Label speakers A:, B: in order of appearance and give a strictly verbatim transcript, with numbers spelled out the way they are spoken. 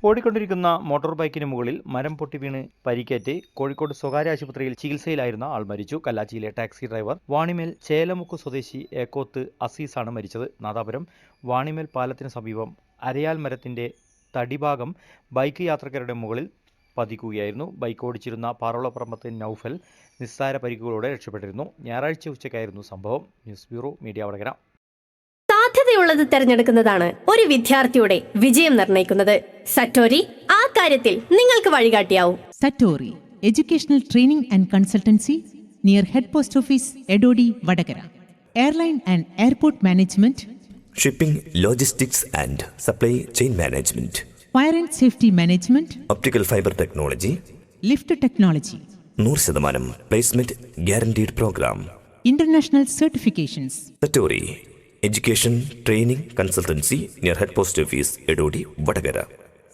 A: ഓടിക്കൊണ്ടിരിക്കുന്ന മോട്ടോർ ബൈക്കിന് മുകളിൽ മരം പൊട്ടി വീണ് പരിക്കേറ്റ് കോഴിക്കോട് സ്വകാര്യ ആശുപത്രിയിൽ ചികിത്സയിലായിരുന്ന ആൾ മരിച്ചു. കല്ലാച്ചിയിലെ ടാക്സി ഡ്രൈവർ വാണിമേൽ ചേലമുക്ക് സ്വദേശി ഏക്കോത്ത് അസീസാണ് മരിച്ചത്. നാദാപുരം വാണിമേൽ പാലത്തിന് സമീപം അരയാൽ മരത്തിന്റെ തടിഭാഗം ബൈക്ക് യാത്രക്കാരുടെ മുകളിൽ പതിക്കുകയായിരുന്നു. ബൈക്ക് ഓടിച്ചിരുന്ന പാറോളപ്പറമ്പത്ത് നൌഫൽ നിസ്സാര പരിക്കുകളോടെ രക്ഷപ്പെട്ടിരുന്നു. ഞായറാഴ്ച ഉച്ചയ്ക്കായിരുന്നു സംഭവം. News bureau, media Vadakara.
B: സാധ്യതയുള്ളത് തിരഞ്ഞെടുക്കുന്നതാണ് ഒരു വിദ്യാർത്ഥിയുടെ വിജയം നിർണ്ണയിക്കുന്നത്. സറ്റോരി ആ കാര്യത്തിൽ നിങ്ങൾക്ക് വഴികാട്ടിയാവും.
C: Satori educational training and consultancy near head post office, Edodi, Vadakara. Airline and airport management,
D: shipping, logistics and supply chain management,
C: fire and safety management,
D: optical fibre technology,
C: lift technology,
D: നൂറ് ശതമാനം placement guaranteed programme,
C: international certifications.
D: Satori education training consultancy near head post office, Edodi, Vadakara.